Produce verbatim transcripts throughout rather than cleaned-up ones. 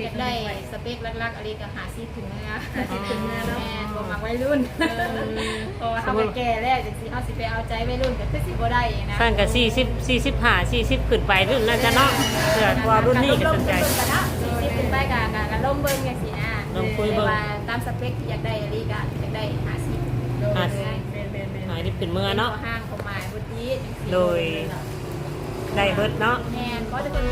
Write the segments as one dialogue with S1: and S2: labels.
S1: กได้สเปคลักๆอะไรก็หาซีถึงเนื้อ
S2: หาซีถึงเนื้อเนาะ
S1: แม่บ่มักวัยรุ่นเพราะว่าเฮาก็แก่แล้วจังซี่เฮาสิไปเอาใจวัยรุ่นก็คือสิบ่ได้นะ
S3: สั้นก็สี่สิบ สี่สิบห้า สี่สิบขึ้นไปรุ่นนั้นจ้ะเนาะเพื่อว่ารุ่นนี้ก็สนใจ
S1: สี่สิบขึ้นไปก็ก็ลมเบิ่งจังซี่นะ
S3: ลองคุยเบิ่ง
S1: ว่าตามสเปคที่อยากได้อะไรก็อยากได้หาซี
S3: อ่ะ
S2: แม่นแม่นแม่น
S3: หายดิบขึ้นเมื่อเนาะ
S1: ห้างของหมายบุตรีจังซี่
S3: โดยได้เบิดเนาะ
S1: แม่นก็จะเป็น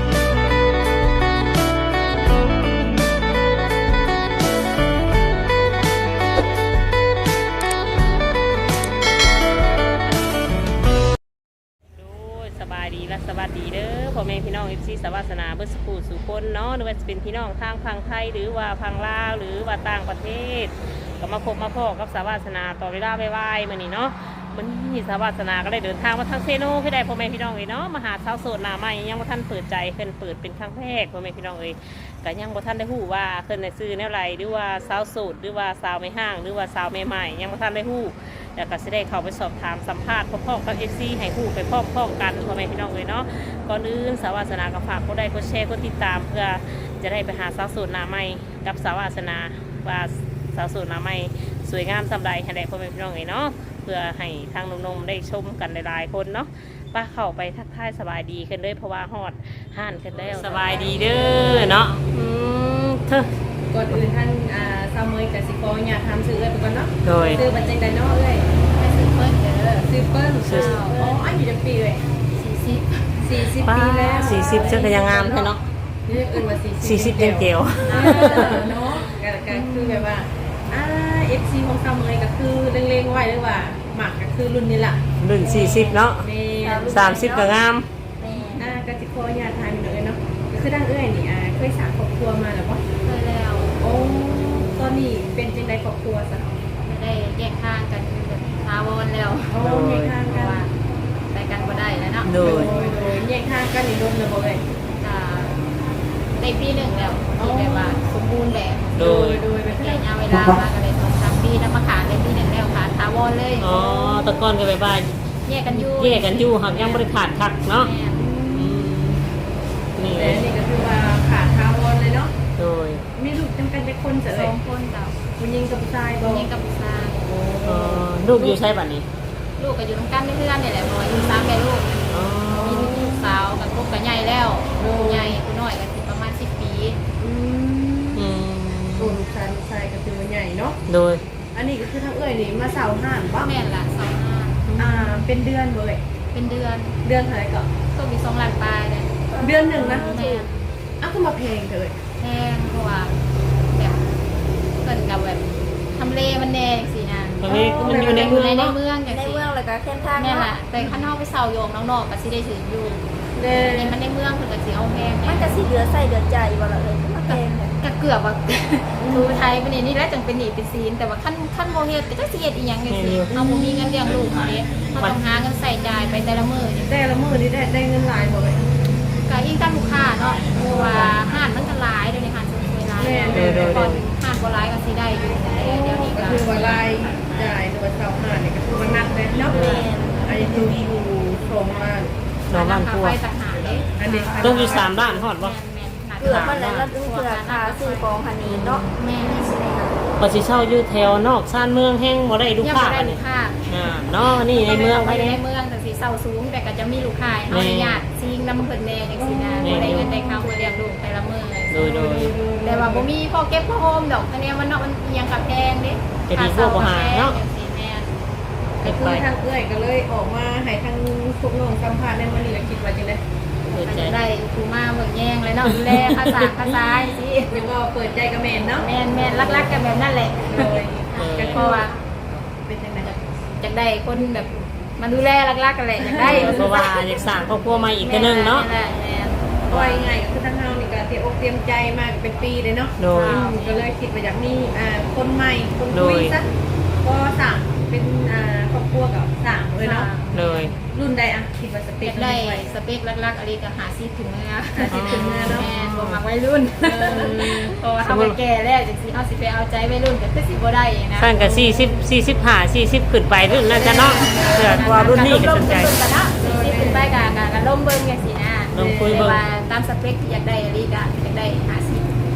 S3: สบายดีและสวัสดีเด้อพ่อแม่พี่น้องเอฟซีสวัสนาเบิร์สกูสู่คนเนาะหรือว่าจะเป็นพี่น้องทางพังไทยหรือว่าพังลาวหรือว่าต่างประเทศก็มาพบมาพอกับสวัสนาต่อเวลาไวๆมื้อนี้เนาะมันนี่สวัสนาก็ได้เดินทางมาทางเซโนคือได้พ่อแม่พี่น้องเอ้ยเนาะมาหาสาวโสดหน้าใหม่ยังบ่ทันเปิดใจเพิ่นเปิดเป็นครั้งแรกพ่อแม่พี่น้องเอ้ยก็ยังบ่ทันได้ฮู้ว่าเพิ่นได้ซื้อแนวไรหรือว่าสาวโสดหรือว่าสาวไม่ห้างหรือว่าสาวใหม่ๆยังบ่ทันได้ฮู้แล้วก็สิได้เข้าไปสอบถามสัมภาษณ์พร้อมๆกับ เอฟ ซี ให้ฮู้ไปพร้อมๆกันพ่อแม่พี่น้องเอ้ยเนาะก่อนอื่นสวัสนาก็ฝากกดไลค์กดแชร์กดติดตามเพื่อจะได้ไปหาสาวโสดหน้าใหม่กับสวัสนาว่าสาวโสดหน้าใหม่สวยงามสำใดให้ได้พ่อแม่พี่น้องเอ้ยเนาะเพื่อให้ทางหนุ่มๆได้ชมกันหลายๆคนเนาะป้าเข้าไปทักทายสบายดีกันเลยเพราะว่าฮอดห่านกันแล้วสบายดีเด้อเนาะอืมเธอ
S2: ก่อนอื่นท่านอ่าซาวเมยกับสิโกอยากทำซื้อเอ้ยไปก่อนเนาะ
S3: โดย
S2: ซื้อบัตรเจงไดโน่เอ้ย
S1: ไปซื้อเพิ่นเด้อ
S2: ซื้อเปิ้ล
S3: ซื้อ
S2: อ๋ออายุจะปีเลย
S1: สี่สิบ
S2: สี่สิบ
S3: ป้า
S2: ปีแล้ว
S3: สี่สิบเจ้าก็ยังงามใช่เนาะ
S2: เรียกอื่นว่าสี่สิบ
S3: สี่สิบเต็มเกลียว
S2: เออเนาะก็ก็คือแบบว่าอ่าเอฟซีของซาวเมยก็คือเล็งๆไว้เลยว่าหมักก็คือรุ่นนี้ล่ะ
S3: รุ่นสี่สิบเนาะ
S2: แม่
S3: สามสิบก็งาม
S1: แม่
S2: อ่าก็สิโกอยากทานเลยเนาะก็คือดังเอ้ยนี่อ่าเคยสร้างครอบครัวมาแล้วบ่
S1: เคยแล้ว
S2: โอ้ตอนนี้เป็นจังไดครอบครัวซะ
S1: ไม่ได้แยกทางกันแบบทาวรแล้ว
S2: โอ้แยกทาง
S1: เพ
S2: กั
S1: ราะว่าน ไปกันบ่ได้แล้วเนาะ
S3: โดย
S2: โดยโดยแยกทางกันนี่รวมเลยบ่เอ้ย
S1: ก็ได้ปีหนึ่งแล้วที่แบบว่าสมบูรณ์แบบ
S3: โดย
S2: โดยเป็น
S1: ระยะเวลามากันเลยสองสามปีแล้วมาขาดได้ปีหนึ่งแล้วขาดทาวรเลย
S3: อ๋อแตะก้อนก็ไปบ้าน
S1: แยกกันอยู่
S3: แยกกันอยู่หักยังบริขาดคักเนาะ
S1: แม่
S3: อืมนี่
S2: แต่นี่ก็คือว่าขาดทาวรเลยเนาะ
S3: โดย
S2: มีลูกจำกันจะคนเส
S1: ส
S2: เอ้
S1: อย งคนเก่า
S2: ผู้หญิงกับผู้ชายบ่
S1: ยิงกับผู้ชาย
S2: โอ้
S3: เอ่อลูกอยู่ใช่ป่ะนี่
S1: ลูกก็อยู่ตรงกันเพื่อนๆนี่แหละหน่อยมีสามแม่ลูก
S3: อ๋อ
S1: มีลูกสาวกับลูกกับใหญ่แล้วลูกใหญ่ผู้น้อยก็สิประมาณสิบปี
S2: อืม
S3: อืม
S2: โอ้ลูกชายลูกชายก็คือว่าใหญ่เนาะ
S3: โดย
S2: อันนี้ก็คือทั้งเอ้ยนี่มาเสาห้านบ่
S1: แม่นละสองห้า
S2: อ่าเป็นเดือนบ่เอ้ย
S1: เป็นเดือน
S2: เดือนเท่าไหร่ก็
S1: ก็มีสองล้านปลายเลย
S2: เดือนหนึ่งนะ
S1: แม่น
S2: อ้าวก็มาเพลงเถอะ
S1: แพงเพราะว่าแบบเกินกับแบบทำเลมันแน่สินะ
S3: ตอนนี้มันอยู่ใน
S1: อ
S3: เมื
S1: ยู่
S3: อง
S1: ในใน
S3: เนาะ
S1: เมืองอย่าง
S4: ใน
S1: สิ
S4: เมืองเลยก็เข้มข้าง
S1: แม่น
S4: เนาะ
S1: ละแต่ข้างนอกไปเสาโยมน้องนอกก็สิได้ถืออยู่
S2: เด้
S1: ในมันในเมืองเพิ่นก็สิเอาแพง
S4: มัน
S1: แน่
S4: จะสีเหลือใส่เหลือใจบ่ละเลยมาเพลงเนี่ย
S1: ก็เกือบว่า ดูไทยเป็นนี่แหละจังเป็นหนีเป็นซีนแต่ว่าขั้นขั้นโมเฮ็ดก็จะสิเฮ็ดอีหยังจังซี่เฮาบ่มีเงินเลี้ยงลูกเด้เฮาต้องหาเงินใส่จ่ายไปแต่ละมื้อนี่
S2: แต่ละมื้อนี่ได้ได้เงินหลายบ่เอ้ย
S1: ก็ยิ่งตามลูกค้าเนาะเพราะว่าห้านมันก็หลายเดี๋ยวนี้ห้านสวยๆหลาย
S2: แม่น
S1: แต่ก่อนห้านบ่หลายก็สิได้อยู่แต่เดี๋ยวนี้
S2: ก็
S1: ก็
S2: คือว่ารายจ่ายหรือว่าเสาห้านนี่ก็คือว่านักเลยเนาะอันนี้ดูอยู่สองล้าน
S3: สองล้าน
S1: ค่าก
S3: ว่า
S1: ไฟต่างหากเด้
S2: อันนี้
S3: ต้องอยู่สามด้านฮอดบ่
S1: แม่นๆ
S4: เกือบมันแล้วแล้วเกือบคาซื้อของคันนี้เนาะ
S1: แม่นๆสิได้ค่ะ
S3: ปฏิเช่าอยู่แถวนอกชานเมืองแห้งบ่ได้ลูก
S1: ยัง
S3: ค้า
S1: บ่ได้
S3: อัน
S1: ลู
S3: นี้
S1: กค้า
S3: อ่าเนาะนี่ในเมือง
S1: ไป
S3: ไป
S1: ใน
S3: เนี่ย
S1: เมืองแต่สิเซาสูงแต่ก็จะมีลูกค้า
S3: แม่
S1: เฮาญาติซิงนำเพิ่นแน่จังซี่นะ
S3: แม่
S1: บ่ได้เงินได้ข้าวมาเลี้ยงลูกแต่ละมื้อ
S3: โดยโดย
S1: แต่ว่าบ่มีพอเก็บพอโฮมดอกคะแนนมันเนาะมันอิหยังกับแพงเด้
S3: จะดีกว่าบ่หาเนาะ
S1: จังซี่แม่น
S2: ก็คือทางเอื้อยก็เลยออกมาให้ทางพวกน้องสัมภาษณ์ในมื้อนี้ก็คิดว่าจังได๋
S3: เปิด
S1: ก็
S3: ใจ
S1: จะได้ครูมาเบิ่งแย่งเลยเนาะดูแลภาษาภาษาสิ
S2: ยังว่าเปิดใจกับแม่นเนาะ
S1: แม่นแม่นรักๆกันแบบนั้นแหละ
S2: โดย
S1: ก็เพราะว่า
S2: เป็นจังได๋
S1: อยากได้คนแบบมาดูแลรักๆกันแหละอยากได้
S3: เพราะว่าอยากสร้างครอบครัวใหม่อีกตัวหนึงเนาะ
S1: แม่แม่น
S2: ว่าง่ายๆก็คือทางเฮานี่ก็เตรียมอกเตรียมใจมาเป็นปีเลยเนาะ
S3: โดย
S2: อืมก็เลยคิดว่าอยากมีอ่าคนใหม่คน
S3: โด
S2: คุ
S3: ย
S2: ยซะก็สั่งเป็นอ่าครอบครัวกับสั่งเลยเนาะ
S3: เลย
S2: รุ่นใดอ่ะคิดว่าสเป
S1: อ
S2: ค
S1: ยากได้
S2: ไว้
S1: สเปครักๆอะไรก็หาซีถึงเนื้อ
S2: หาซีถึงเนื้อเนาะ
S1: แม่นบ่มักวัยรุ่นเพราะว่าเฮาก็แก่แล้วจังซี่เฮาสิไปเอาใจวัยรุ่นก็คือสิบ่ได้นะ
S3: สั้นก็สี่สิบ สี่สิบห้า สี่สิบขึ้นไปรุ่นนั้นจ้ะเนาะเพื่อว่ารุ่นนี้ก็สนใจ
S1: ลมๆกันเนาะสี่สิบขึ้นไปก็ก็ก็ลมเบิ่งจังซี่นะ
S3: ลองคุยเบิ่ง
S1: แต่ว่าตามสเปคที่อยากได้อะไรก็อยากได้หาซี
S2: โ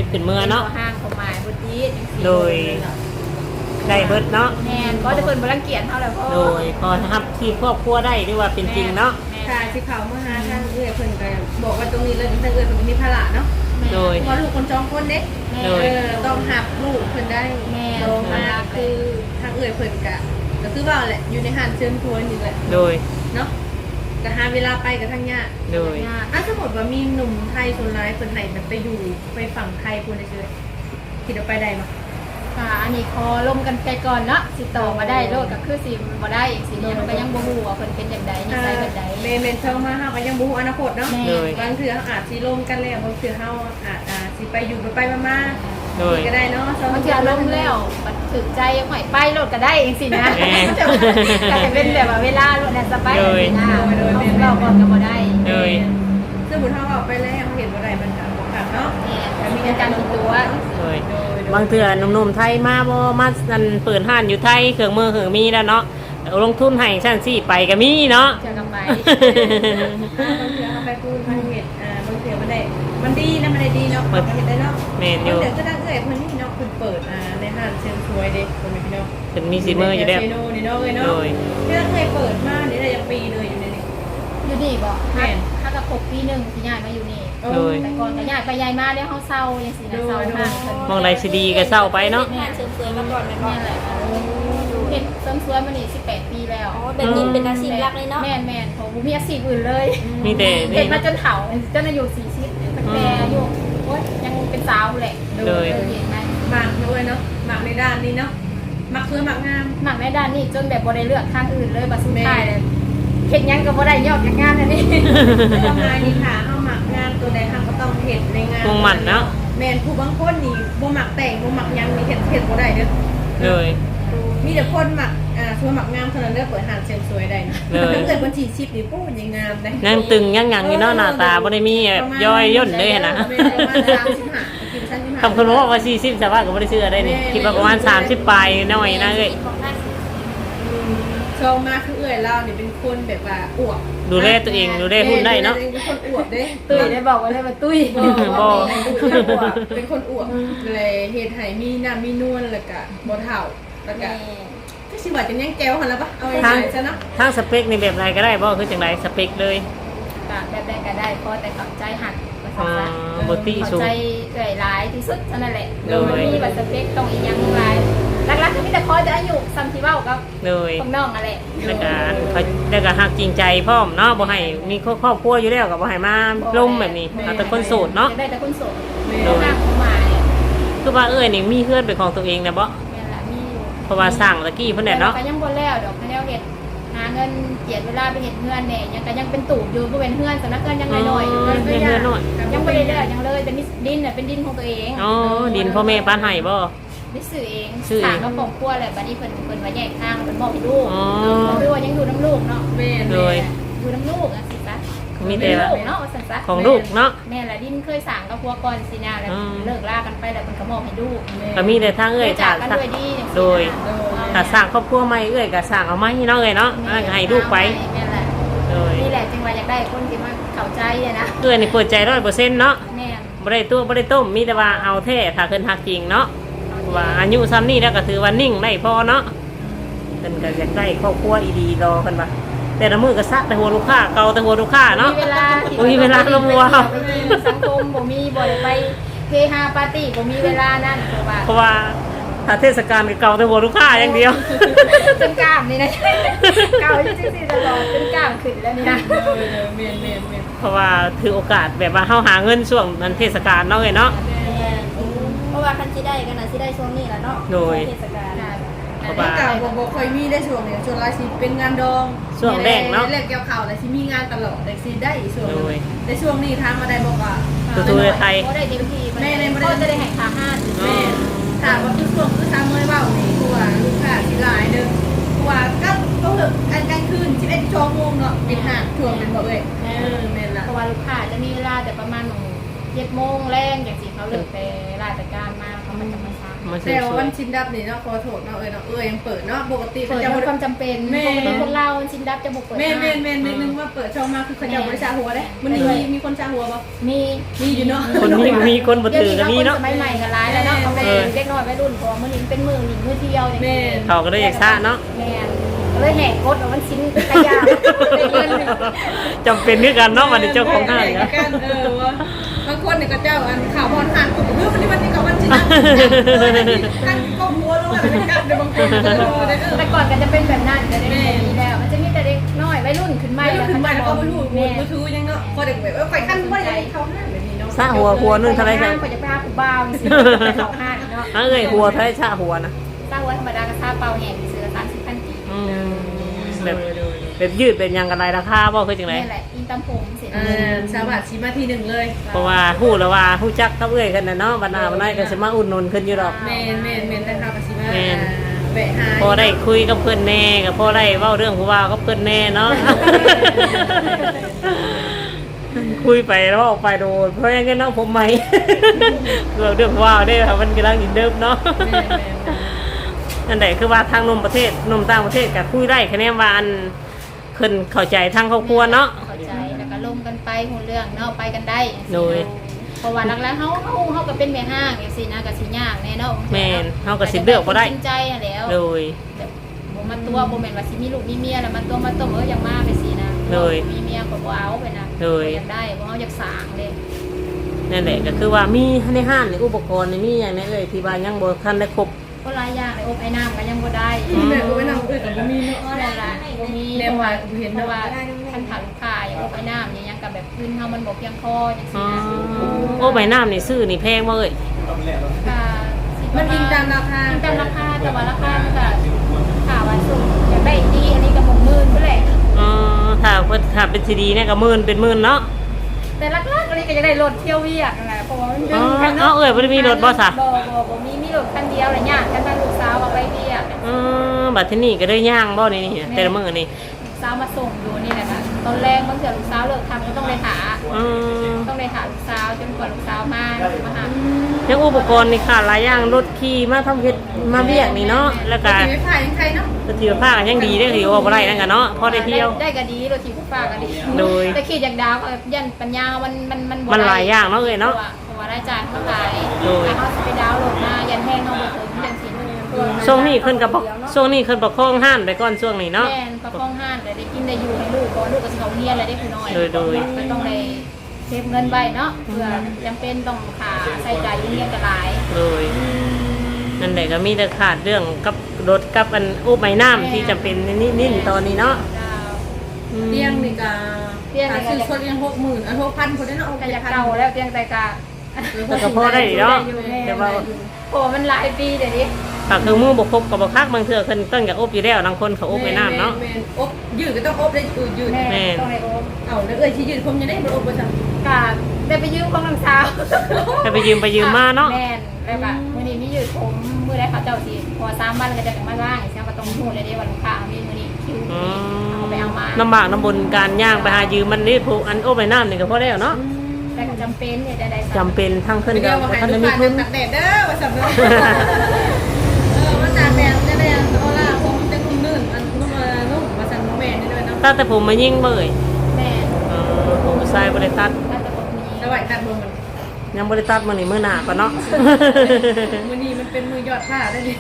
S3: ขึ้นเมื่อเนาะ
S1: ห้างเขาหมายบ่ดีจังซี่
S3: โดยได้เบิดเนาะ
S1: แม่นก็จะเพิ่นบ่รังเกียจเฮาแล้วพ่อ
S3: โดยพอทับที่ครอบครัวได้หรือว่าเป็นจริงเนาะ
S2: ค่ะสิเขามาหาทางเอื้อยเพิ่นก็บอกว่าตรงนี้เลยทางเอื้อยเพิ่นมีภาระเนาะ
S3: โดย
S2: เพราะลูกคนสองคนเด้
S3: โดย
S2: เออต้องหับลูกเพิ่นได้
S1: แม่
S2: โตมาคือทางเอื้อยเพิ่นก็ก็คือว่าแหละอยู่ในห้านเชิญชวนนี่แหละ
S3: โดย
S2: เนาะก็หาเวลาไปกับทางญาติ
S3: โดย
S2: อ่ะสมมติว่ามีหนุ่มไทยคนร้ายเพิ่นให้แบบไปอยู่ไปฝั่งไทยพูดได้เฉยคิดว่าไปได้บ่
S1: ค่ะอันนี้ขอลมกันไปก่อนเนาะสิต่อมาได้โลดก็คือสิบ่ได้อีกสิเนี่ยมันก็ยังบ่ฮู้ว่าเพิ่นเป็นจังไดนิสัยแบบใด
S2: เมนเมนเช่ามาเฮาก็ยังบ่ฮู้อนาคตเนาะ
S1: แม่
S3: โดย
S2: บางเทื่อเฮาอาจสิลมกันแล้วบางเทื่อเฮาอาจอ่าสิไปอยู่ไปไปมา
S3: โดย
S2: ๆก็ได้เนาะ
S1: บางทีอารมณ์แล้วบัดถึกใจหอยไปโลดก็ได้เองสินะ
S3: แม่
S1: ก็จะเป็นแบบว่าเวลาโลดน่ะสบาย
S3: โดย
S1: นะเราก่อนก็บ่ได้
S3: โดย
S2: สมมุติเฮาเอาไปแล้วเฮาเห็นบ่ได้มันก็บ่คักเนาะ
S1: เนี่ยมีการคิดตัว
S3: โดยบางเทื่อหนุ่มๆไทยมาบ่มานั่นเปิดห้านอยู่ไทยเครื่องมือเครื่องมีแล้วเนาะเอาลงทุนให้ชั้นสี่ไปก็มีเนาะ
S1: เจอกันไป
S2: บางเทื่อเฮาไปพูดทางเฮ็ดอ่าบางเทื่อมันได้มันดีนะมันได้ดีเนาะมันเฮ็ดได้เนาะ
S3: แม่นอยู่
S2: เดี๋ยวก็ได้เอ้ยเพิ่นนี่เนาะเพิ่นเปิดอ่าในห้างเชิงชวยเด้เพิ่นพี่น้อง
S3: เป็นมีสีมืออยู่แล้ว
S2: เซโนนี่เนาะเอ้ยเนาะ
S3: โดย
S2: ที่เราเคยเปิดมานี่ได้ยังปีเลยอยู่ในนี้
S1: อยู่นี่บ่
S2: แม่
S1: ถ้ากับหกปีหนึงที่ย้ายมาอยู่นี่
S3: โดย
S1: แต่ก่อนก็ย้ายไปย้ายมาแล้วเฮาเศร้าจังซี่นะเศร้าห้างเพิ่น
S3: มองใดสิดีก็เศร้าไปเนาะ
S4: งานเสริมสวยมาก่อนแม่นบ่
S1: นี่แหละเฮ็ดเสริมสวยมานี่สิบแปดปีแล้ว
S4: อ๋อแบบนี้เป็นอาชีพหลักเลยเนาะ
S1: แม่นแม่นผมบ่มีอาชีพอื่นเลย
S3: มีแต่
S1: เฮ็
S3: นี่
S1: ดมาจนเฒ่าจนอายุสี่สิบตั้งแต่อายุโอ๊ยยังเป็นสาวแหละ
S3: โดย
S1: เห็นไหม
S2: หมักด้วยเนาะหมักในด้านนี้เนาะหมักเพื่อหมักงาม
S1: หนักในด้านนี้จนแบบบ่ได้เลือกทางอื่นเลยบัดสุดท้ายเลยเฮ็ดหยังก็บ่ได้ยอดจากงานอันนี้
S2: ทำงานนี่ค่ะเอาหมักงานตัวใดทำก็ต้องเห็ดในงาน
S3: มุ่งมั่นเนาะ
S2: แมนผู้บางคนนี่บ่หมักแต่งบ่หมักหยังนี่เห็ดเห็ดบ่ได้เด้อ
S3: เลย
S2: มีแต่คนหมักอ่าชัวหมักงามเท่านั้นเด้อเปิดหานเซนสวยได้นะ
S3: เลย
S2: ถ้าเกิดบัญชีชิปนี่ปู้ยังงามได้
S3: ยังตึงยังหยังอยู่เนาะหน้าตาบ่ได้มีแบบย่อยย่นเลยนะ
S2: ประมาณสามสิบห้ากินชั้นที่ห้า
S3: คำคุณบอกว่าสี่สิบแต่ว่าก็บ่ได้เชื่อได้นี่คิดว่าประมาณสามสิบปลายหน่อยนะเอ้ย
S4: ของหน้าสิ
S2: ชอบมากคือเอื้อยเราเนี่ยเป็นคนแบบว่าอวบ
S3: ดูแลตัวเองดูแลหุ่นได้เนาะ
S2: เป็นคนอวบเด้
S1: ตุ้ยได้บอกไว้เลยว่าตุ้ย
S3: บ่
S2: เป็นคนอวบเลยเฮ็ดให้มีน้ำมีนวลแล้วก็บ่เฒ่าแล้วก็
S4: แม่
S2: ก็สิว่าจังยังแก้วหั่นล่ะปะเอา
S3: ทาง
S2: ง่ายๆซะเนาะ
S3: ทางสเปคในแบบไรก็ได้บ่คือจังไรสเปคเลย
S1: แบบใดก็ได้พอแต่เข้าใจหักก็
S3: อ่า
S1: เข้าใจ
S3: บ่ติ
S1: เข้า
S3: สูง
S1: ใจเอื่อยหลายที่สุดเท่านั้นแหละ
S3: โดย
S1: มีบัตรสเปคต้องอีกอย่างหลายหลักๆก็มีแต่พอจะอายุซ้ำที่เว้ากับ
S3: เลย
S1: พวกน้องอะไร
S3: แล้วก็เขาแล้วก็ฮักจริงใจพร้อมเนาะบ่ให้มีครอบครัวอยู่แล้วก็บ่ให้มาล่มแบบนี้เอาแต่คนโสดเนาะ
S1: ได้แต่คนโสด
S3: โดย
S1: ห้างของหมาเนี่ย
S3: คือว่าเอ้ยนี่มีเพื่อนเป็นของตัวเองนะบ่
S1: แม่นละมีอยู่
S3: เพราะว่าสร้างตะกี้เพิ่นแหละเนาะ
S1: แต่ก็ยังบ่แล้วดอกคะแนนเฮ็ดหาเงินเจียดเวลาไปเฮ็ดเฮือนแหน่ยังก็ยังเป็นตูบอยู่บ่เป็นเฮือนสำนักเงินยังน้อยๆอยู่
S3: อ๋อเป็นเฮือนน้อย
S1: ยังบ่ได้แล้วยังเลยแต่มีดินน่ะเป็นดินของตัวเอง
S3: อ๋อดินพ่อแม่ป้านให้บ่
S1: ได้ซื้อเอง
S3: ซื้อเอง
S1: สร้างกับครอบครัวแหละบัดนี้เพิ่นเพิ่นว่าแยกทางเพิ่นมอบให้ลูก
S3: อ๋อ
S1: บ่รู้ว่ายังอยู่น้ำลูกเนาะ
S2: แม่น
S3: โดย
S1: อยู่น้ำลูกอ่ะสิจ๊ะ
S3: มีแต่ว่า
S1: ลูกเนาะว่าซั่นซะ
S3: ของลูกเนาะ
S1: แม่ละดินเคยสั่งกับพวกก่อนสินะแล้ว
S3: อืม
S1: เลิกลากันไปแล้วมันก็มอบให้ลูก
S3: ก็มีแต่ทางเอ้ย
S1: จา
S3: ถ้าก
S1: กันด้วยดีจังซี่นะ
S3: โดยถ้าสร้างครอบครัวใหม่เอ้ยก็สร้างเอาไม้เนาะเอ้ยเนาะแล้วก็ให้ลูกไป
S1: แม่นแหละ
S3: โดย
S1: นี่แหละจึงว่าอยากได้คนที่มาเข้าใจอะนะ
S3: เอ้ยนี่เปิดใจ ร้อยเปอร์เซ็นต์ เนาะ
S1: แม่น
S3: บ่ได้ตัวบ่ได้ต้มมีแต่ว่าเอาแท้ถ้าเพิ่นฮักจริงเนาะว่าอายุซ้ำนี้แล้วก็ถือว่านิ่งได้พอเนาะเพิ่นก็อยากได้ครอบครัวอีดีรอเพิ่นว่าแต่ละมื้อก็ซักแต่หัวลูกค้าเกาแต่หัวลูกค้าเนาะ
S1: มีเวลาที่
S3: บ่มีเวลาลงวัว
S1: ไปกินสังคมบ่มีบ่ได้ไปเฮฮาปาร์ตี้บ่มีเวลานั่นเพราะว่า
S3: เพราะว่าถ้าเทศกาลก็เกาแต่หัวลูกค้าอย่างเดียว
S1: จนกล้ามนี่นะเก่าจริงๆตลอดจนกล้ามขึ้นแล้วนี่นะ
S2: เออเออแม่นแม่นแม่น
S3: เพราะว่าถือโอกาสแบบว่าเฮาหาเงินช่วงนั้นเทศกาลเนาะเอ้ยเนาะ
S4: แม่เพราะว่าคันสิได้กันน่ะสิได้ช่วงนี้แหละเนาะ
S3: โดย
S4: เทศกาล
S3: เพราะ
S2: บ่
S3: ว่า
S2: เก่าบ่บ่ค่อยมีได้ช่วงนี้ช่วงหลายสิเป็นงานดอง
S3: ช่วงแรกเนาะ
S2: แรกเกี่ยวข้าวแล้วสิมีงานตลอดแต่สิได้อีกช่วงหนึ
S3: โดย
S2: งแต่ช่วงนี้ทางมาได้บอกว่า
S3: ตัวๆไทย
S1: บ่ได้เต็มที่
S2: แม่ในบ่ได้
S1: ก็จะได้แห่งขาห้าน
S3: อ๋อ
S2: แม่ถามว่าคือช่วงคือทางเมื่อยเว้านี่คือว่าลูกค้าสิหลายเด้อคือว่าก็ก็คืออันกลางคืนสิบเอ็ดชั่วโมงเนาะปิดห้างช่วงเป็นบ่เอ้ยเออแม่นล่ะ
S1: เพราะว่าลูกค้าจะมีเวลาแต่ประมาณเจ็ดโมงแรงอย่างสิเขาเลิกแต่ราชการมาเขามันจะมาช้า
S3: มาเสริ
S2: แต่
S3: ม
S2: ว่า
S3: สว
S2: วั
S3: ย
S2: นชินดับนี่เนาะขอโทษเนาะเอ้ยเนาะเอ้ยยังเปิดเนาะปกติ
S1: เปิ
S2: เขา
S1: ด
S2: จะ
S1: เป็น
S2: บ่
S1: ความจำเป็น
S2: แม่
S1: ปกติคนเราชินดับจะบุกเปิด
S2: แม่แม่แม่
S1: ห้าง
S2: นิดนึงว่าเปิดช่องมาคือเขาจะบริจาคหัวได้มันมีมีคนจาหัวบ่
S1: มี
S2: มีอยู่เนาะ
S3: คนมีมีคนบ่ถือก็มีเนาะ
S1: สมัยใหม่กันร้ายแล้วเนาะเขาเป็น
S3: เออ
S1: เด็กน้อยวัยรุ่นพอมันนี่เป็นมือหนิงมือเที่ยวอย่าง
S2: แม่
S1: นี้
S3: เขาก็เลยอยากซ่าเนาะ
S1: แม่ก็เลยแหกกดเอามันชิ้นขยะไปเงิน
S3: จำเป็นคือกันเนาะวันนี้เจ้าของห้าง
S2: เอ
S3: นะ
S2: กันเออว่าบางคนเนี่ยก็เจ้าอันข่าวบอลหันกูเฮ้ยวันนี้วันนี้กับวันชินดับกันก้มหัวลงอะไรกันในบางคนเออได้เออ
S1: แต่ก่อนก็จะเป็นแบบนั้นจะได้แบบนี้แล้วมันจะมีแต่เด็กน้อยวัยรุ่นขึ้นมา
S2: ไม่รู้ถึงไปแล้วก็ไม่รู้
S1: แม่
S2: มือถือยังเนาะพอเด็กแบบว่าไฟขั้นว่าอย่างนี้เขาห้ามแบบนี้เนาะ
S3: ซ่าหัวหัวนึงเท่าไร
S1: ค
S3: ค
S1: รั
S3: รั
S1: บบ เขาจะไปหาผู้บ่าวสิไปเขาห้างเนาะ
S3: เอ้ยหัวเท่าไรซ่าหัวนะ
S1: สร้างไว้ธรรมดากระซาเปาแห่งซื้อสามสิบพันกี
S3: อืมแบบแบบยืดเป็นยังกันไรราคาบ่คือจังได
S1: นี่แหละอินตามผมเสร็จ
S2: อ่าสวัสดีมาทีหนึ่งเลย
S3: เพราะว่าฮู้แล้วว่าฮู้จักกับเอ้ยกันน่ะเนาะบัดหน้าบัดไหนก็สิมาอุดหนุนขึ้นอยู่ดอก
S2: เมนเมนเมนนะคะปัสสิมา
S3: แม่น
S2: แบะหาย
S3: พอได้คุยกับเพื่อนแน่ก็พอได้เว้าเรื่องผู้ว่ากับเพื่อนแน่เนาะ คุยไปแล้วออกไปโดนเพราะงั้นน้องผมใหม่ เรื่องเรื่องผู้ว่าได้ค่ะมันกำลังอินเดิมเนาะ
S2: แม่นแม่น
S3: นั่นแหละคือว่าทางนมประเทศนมต่างประเทศก็คุยได้คะแนนว่าอันขึ้นเข้าใจทางครอบครัวเนาะ
S1: เข้าใจแล้วก็ลมกันไปหูเรื่องเนาะไปกันได้
S3: โดย
S1: เพราะว่าหลักๆเขาเขาเขาก็เป็นแม่ห้างอย่างสินะก็สิยากแน่เนาะ
S3: แม่นเฮาก็สิเลือกบ่ได้
S1: จริงใจอะแล้ว
S3: โดย
S1: แบบบ่มาตัวบ่แม่นว่าสิมีลูกมีเมียแล้วมาตัวมาต้มเอออย่างมาไปสินะ
S3: โดย
S1: มีเมียก็บ่เอาไปนะ
S3: โดย
S1: บ่อยากได้บ่เอาอยากสร้างเด้
S3: นั่นแหละก็คือว่ามีในห้างในอุปกรณ์นี่มีอย่างนี้เลยที่ว่ายังบ่ทันได้ครบ
S1: ก็หลายอย่างเลยอบไอ้น้ำก็ยังบ่ได้
S2: ที่แบบว่าน้ำเอื้อกับมีเนาะ
S1: ก็ได้ละบ่มี
S2: แนวว่าเห็น
S1: เพ
S2: เนาะ
S1: ราะว่าท่านถามลูกค้าอย่างอบไอ้น้ำอย่างยังกับแบบพื้นเฮามันบ่เพียงพอจัง
S3: อ๋
S1: ซี่
S3: อ
S1: นะ
S3: โอ้ใบน้ำนี่ซื้อนี่แพงบ่เอ้ย
S1: ก็สิ
S2: มันอิงตามราคา
S1: อิงตามราคาแต่ว่าราคามันก็ค่าว่าสูงอยากได้ดีอันนี้ก็บ่หมื่นเท่าไหร่
S3: อ๋อถ้าเพิ่นถ้าเป็นซีดีเนี่ยก็หมื่นเป็นหมื่นเนาะ
S1: แต่หลักๆอันนี้ก็จะได้รถเที่ยวเวียกนั่นแหละเพราะว่ามันดึ
S3: อ๋
S1: ง
S3: อ
S1: กัน
S3: เอ้าเอ้ยบ่ได้มีรถบ่ซะ
S1: บ่บ่บ่มีมีรถคันเดียวแหละญาติกันทางลูกสาวเอาไปเวียก
S3: อือบัดทีนี้ก็ได้ย่างบ่นี่นี่แต่ละมื้อนี่
S1: ลูกสาวมาส่งอยู่นี่แหละค่ะตอนแรกบางเทื่อลูกสาวเลิกทำก็ต้องไปหา
S3: อือ
S1: ต้องไปหาลูกสาวจนกว่าลูกสาวมามาหา
S3: ยังอุปกรณ์นี่ค่ะหลายอย่างรถขี่มาทำเฮ็ดมาเวียกนี่เนาะแล้วก็
S2: ตีไม่ผ่านยังใครเนาะ
S3: สถิตภาพก็ยังดีเด้อที่ว่าบ่ได้นั่นก็เนาะพอได้เที่ยว
S1: ได้ก็ดีรถถีบผู้ฟ้าก็ดี
S3: โดย
S1: แต่ขี่จากดาวก็ยันปัญญามันมันมันบ่
S3: มันหลาย
S1: ได้
S3: อย่างเนาะเอ้ยเนาะ
S1: เพราะว่าได้จ่ายเท่าไหร่
S3: โดย
S1: ถ้าเขาสิไปดาวน์โหลดมายันแห้งเขาบ่ถึงจังซี่
S3: ช่วงนี้ขึ้นกับช่วงนี้ขึ้นประคองห้านไปก่อนช่วงนี้เนาะ
S1: แม่นประคองห้านแต่ได้กินได้อยู่ให้ลูกก่อนลูกก็สิเขาเรียนแล้วได้ผู้น้อย
S3: โดยโดย
S1: ก็ต้องได้เก็บเงินไว้เนาะเพื่อจำเป็นต้องค่าใช้จ่ายเรียนก็หลาย
S3: โดยนั่นแหละก็มีแต่ขาดเรื่องกับรถกับอันอุบไม้น้ำที่จำเป็นนี่นี่ตอนนี้เนาะ
S1: ดาว
S3: อืม
S2: เตียงนี่ก็
S1: เตียงนี่ก็
S2: ซื้อคนยังหกหมื่นอันหกพันคนได้เนาะ
S1: ก็อยากเก่าแล้วเพียงแต่กะ
S3: แต่ก็พอได้เนาะแต่ว่า
S1: โอ้มันหลายปีเดี๋ยวนี้
S3: ถ้าคือมือบกครบกับบกคักบางเทื่อเพิ่นต้องอยากอบอยู่แล้วบางคนเขาอบไม้น้ำเนาะ
S2: แม่นอบยืดก็ต้องอบได้ยืดยืด
S1: แม่
S3: แม่น
S1: ต้องในโอ๊ต
S2: เอาแล้วเอ้ยที่ยืดผมยังได้บ่อบบ่ซั่น
S1: กะได้ไปยืมของน้ำสาว
S3: แต่ไปยืมไปยืมมาเนาะ
S1: แม่นแล้วก็มื้อนี้มียืดผมมื้อใดเขาเจ้าสิพอสามวันก็จะถึงมาว่างอีกเช้าก็ต้องฮู้เลยเด้วันลูกค้ามีมื้อนี้คิว
S3: อื
S1: เอาไปเอามา
S3: ลำบากลำบนการย่างไปหายืมมันนี่ผูกอันอบไม้น้ำนี่ก็พอได้เนาะ
S1: แต่ก็จำเป็นเนี่ยได้ๆ
S3: จำเป็นทั้งขึ้น
S2: เดี๋
S3: กั
S2: ย
S3: บ
S2: วมาให้
S3: ท่าน
S2: ลูก
S3: มี
S2: ค้า
S3: ทุน
S2: ตักแดดเด้อว่าซั่นเนาะเออมาตากแดดได้แดดเอาล่ะผมจะนุ่มนื่นอันนุ่มเอ่อนุ่มว่าซั่นแม่นนี่ด้วยเนาะ
S3: ตั้งแต่ผมมายิ่งเบ่ย
S1: แม่น
S3: เออผมใส่บริตัด
S1: น่าจะบ่มี
S2: สวัสดีครับมึงมัน
S3: ยังบริตัดมือนี่มือหนาก่อนเนาะ
S2: มือนี้มันเป็นมือยอดผ้าได้ดิ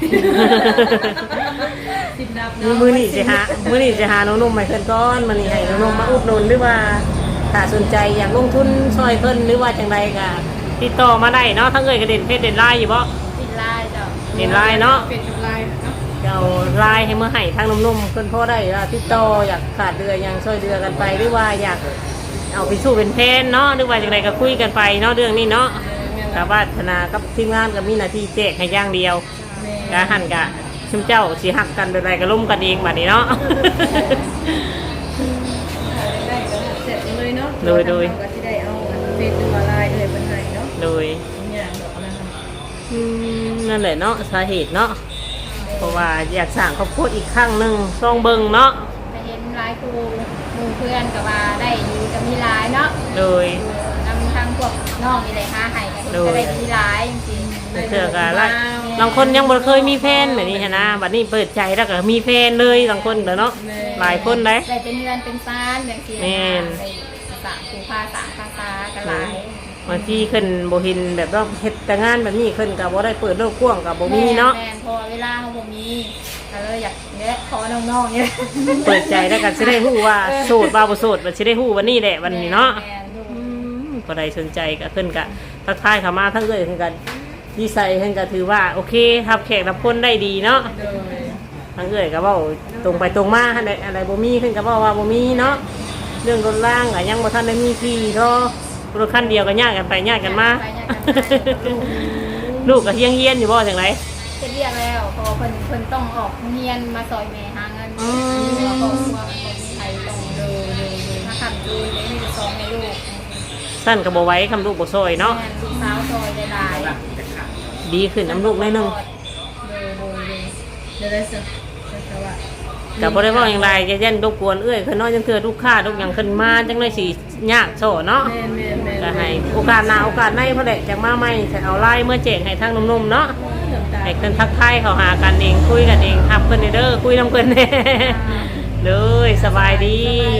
S2: สิบดับ
S3: มือมือนี่สิหามือนี่สิหาน้องนุ่มใหม่เพิ่นก้อนมือนี่ให้น้องนุ่มมาอุดหนุนหรือว่าถ้าสนใจอยากลงทุนช่วยเพิ่นหรือว่าจังใดก็ติดต่อมาได้เนาะทั้งเอ่ยกระเด็นเพชรเด่นไลน์อยู่บ่
S1: ปิดลายจ้ะ
S3: เด่นไลน์เนาะ
S2: เป็นจุดลายเนาะ
S3: เดี๋ยวไลน์ให้เมื่อให้ทางนุ่มๆเพิ่นพอได้ว่าติดต่ออยากขาดเดือยังช่วยเดือกันไปหรือว่าอยากเอาไปสู้เป็นแพนเนาะหรือว่าจังใดก็คุยกันไปเนาะเรื่องนี้เนาะกะว่าธนากับทีมงานก็มีหน้าที่แจกให้อย่างเดียว กะหันกะชุมเจ้าสิหักกันแบบไรก็ล่มกันเองบัดนี้เนาะ
S2: ได้ก็เสร็จเลยเนาะ
S3: โดยโดย
S2: ก็ที่ได้เอาเฟซหรือว่าไลน์เอ่ยเป็นไงเนาะ
S3: โดย
S2: อย่างดอกนะคะ
S3: อืมนั่นแหละเนาะสาเหตุเนาะเพราะว่าอยากสร้างครอบครัวอีกครั้งหนึ่งซองเบิงเนาะ
S1: ไปเห็นหลายครูหมู่เพื่อนก็ว่าได้อยู่ก็มีหลายเนาะ
S3: โดย
S1: นำทางผพวกน้องนี่ได้หาให้กันก็ได้ดีหลายจริง
S3: เถื่อกันละบางคนยังบ่เคยมีแฟนแบบนี้นะบัดนี้เปิดใจแล้วก็มีแฟนเลยบางคนเด้อเนาะหลายคนได้
S1: ได้เป็นเงินเป็นซานอย่างที่
S3: แม่น
S1: ได้สามคูพาสามภาษากันหลาย
S3: บางทีขึ้นบ่เห็นแบบว่าเฮ็ดแต่งานแบบนี้ขึ้นก็บ่ได้เปิดโลกกว้างก็บ่มีเนาะ
S1: แม่นพอเวลาเขาบ่มีก็เลยอยากเนี่ยขอน้องๆเนี่ย
S3: เปิดใจแล้วก็สิได้ฮู้ว่าโสดบ่บ่โสดว่าสิได้ฮู้วันนี้แหละวันนี้เนาะ
S1: แม่นลูก
S3: อืมก็ได้สนใจก็ขึ้นก็ทักทายเข้ามาทั้งเอ้ยขึ้นกันดีไซน์ขึ้นก็ถือว่าโอเครับแขกรับคนได้ดีเนาะ
S2: โดย
S3: ทั้งเอ้ยก็เว้าตรงไปตรงมาอะไรอะไรบ่มีขึ้นก็เว้าว่าบ่มีเนาะเรื่องรถล่างก็ยังบ่ทันได้มีที่เนาะรถคันเดียวก็ยากกันไปยากกันมา
S1: ไปยากกันมาลูก
S3: ลูกก็เฮียงเฮียนอยู่บ่จังได
S1: จะเรียกแล้วเพอเพิ่นเพิ่นต้องออกเรียนมาซอยแม่หาเงิน
S3: อืม
S1: แล้วก็พวกคนไทยต้องเดินเดินเดินมาทำดูเลยมีแต่สองในลูก
S3: สั้นก็บ่ไหว้คำลูกบ่ซอยเนาะ
S1: แม่ลูกสาวซอยได้หลาย
S3: ดีขึ้นน้ำลูกหน้อยหนึง
S1: เดินเดินเดิน
S2: เดี๋ยวได้สิแต่ว่า
S3: ก็บ่ได้เว้าอย่างไรจะยันรบกวนเอ้ยคือน้อยจังเทื่อลูกค้าลูกหยังขึ้นมาจังได๋สิยากโซเนาะ
S2: แม่นแม่นแม่น
S3: ก็ให้โอกาสหน้าโอกาสในพุ่นแหละจังมาใหม่จะเอาไลน์เมื่อแจ้งให้ทางหนุ่มๆเนาะ
S2: น้ำตา
S3: ให้เพิ่นทักทายเขาหากันเองคุยกันเองทับเพิ่นเด้อคุยนํเพิ่นแน่ เลยสบายดี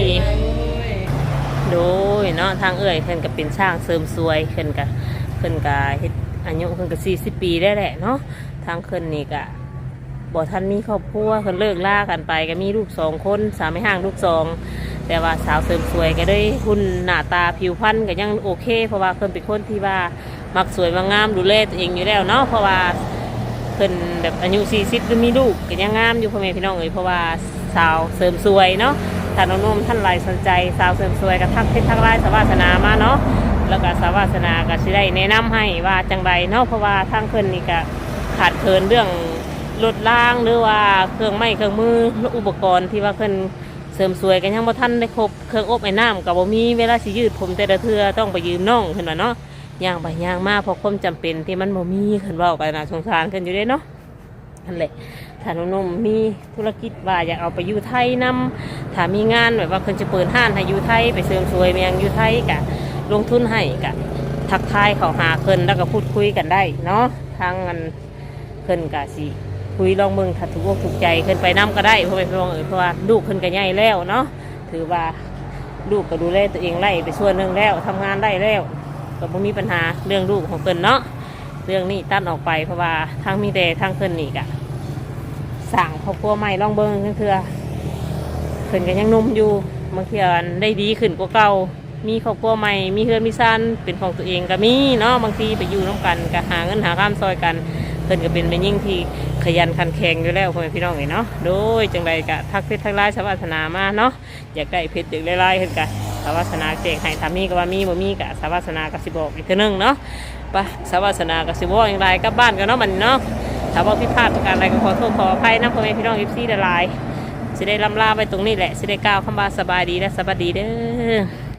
S3: โดยเนาะทางเอื้อยเพิ่นก็เป็นช่างเสริมสวยเพิ่นก็เพิ่นก็เฮ็ดอายุเพิ่นก็สี่สิบปีได้แหละเนาะทางเพิ่นนี่ก็บ่ทันมีครอบครัวเพิ่นเลิกลากันไปก็มีลูกสองคนสามีห่างลูกสองแต่ว่าสาวเสริมสวยก็ได้หุ่นหน้าตาผิวพรรณก็ยังโอเคเพราะว่าเพิ่นเป็นคนที่ว่ามักสวยมักงามดูแลตัวเองอยู่แล้วเนาะเพราะว่าเพิ่นแบบอายุสี่สิบหรือมีลูกก็ยังงามอยู่พ่อแม่พี่น้องเอ้ยเพราะว่าสาวเสริมสวยเนาะ ถ้าน้องๆท่านไรสนใจสาวเสริมสวยกับทักเพชรทักไลน์สาวาสนามาเนาะแล้วก็สาวาสนาก็สิได้แนะนำให้ว่าจังไรเนาะเพราะว่าทางเพิ่นนี่ก็ขาดเคินเรื่องรถล่างหรือว่าเครื่องไม้เครื่องมืออุปกรณ์ที่ว่าเพิ่นเสริมสวยกันยังบ่ทันได้ครบเครื่องอบไอ้น้ำกับบ่มีเวลาสิยืดผมแต่ละเทื่อต้องไปยืมน้องเพิ่นว่าเนาะย่างไปย่างมาเพราะความจำเป็นที่มันบ่มีเพิ่นเว้ากันน่ะสงสารเพิ่นอยู่เด้เนาะนั่นแหละ ถ้านุ่มๆมีธุรกิจว่าอยากเอาไปอยู่ไทยนำถ้ามีงานแบบว่าเพิ่นจะเปิดห้านให้อยู่ไทยไปเสริมสวยเมียงอยู่ไทยกะลงทุนให้กะทักทายเขาหาเพิ่นแล้วก็พูดคุยกันได้เนาะทางมันเพิ่นกะสิคุยลองเบิ่งถ้าถูกอกถูกใจเพิ่นไปนํก็ได้เพราะเป็นเพราะว่าเออเพราะว่าลูกเพิ่นก็ใหญ่แล้วเนาะถือว่าลูกก็ดูแลตัวเองไล่ไปส่วนหนึงแล้วทำงานได้แล้วก็บ่มีปัญหาเรื่องลูกของเพิ่นเนาะเรื่องนี้ตัดออกไปเพราะว่าทางมีแต่ทางเพิ่นนี่กะสั่งครอบครัวใหม่ลองเบิ้งนั่นคือเพิ่นกันยังหนุ่มอยู่บางทีอันได้ดีขึ้นกว่าเก่ามีครอบครัวใหม่มีเฮือนมีซันเป็นของตัวเองก็มีเนาะบางทีไปอยู่ร่วมกันก็หาเงินหาข้ามซอยกันเพิ่นก็เป็นแม่ยิ่งที่ขยันขันแข็งอยู่แล้วพ่อแม่พี่น้องเนาะโดยจังใดก็ทักเพชรทักไลน์สวัสนามาเนาะอยากได้เพชรอยากได้ไลน์เพิ่นก็สวัสนาแจ้งให้ถ้ามีก็ว่ามีบ่มีก็สวัสนาก็สิบอกอีกเทื่อนึงเนาะไปสวัสนาก็สิบอกอย่างไรกลับบ้านกันเนาะมันเนาะถ้าว่าผิดพลาดประการใดก็ขอโทษขออภัยนะพ่อแม่พี่น้องเอฟซีหลายๆจะได้ลำลาไปตรงนี้แหละจะได้กล่าวคำว่าสบายดีและสวัสดีเด้อ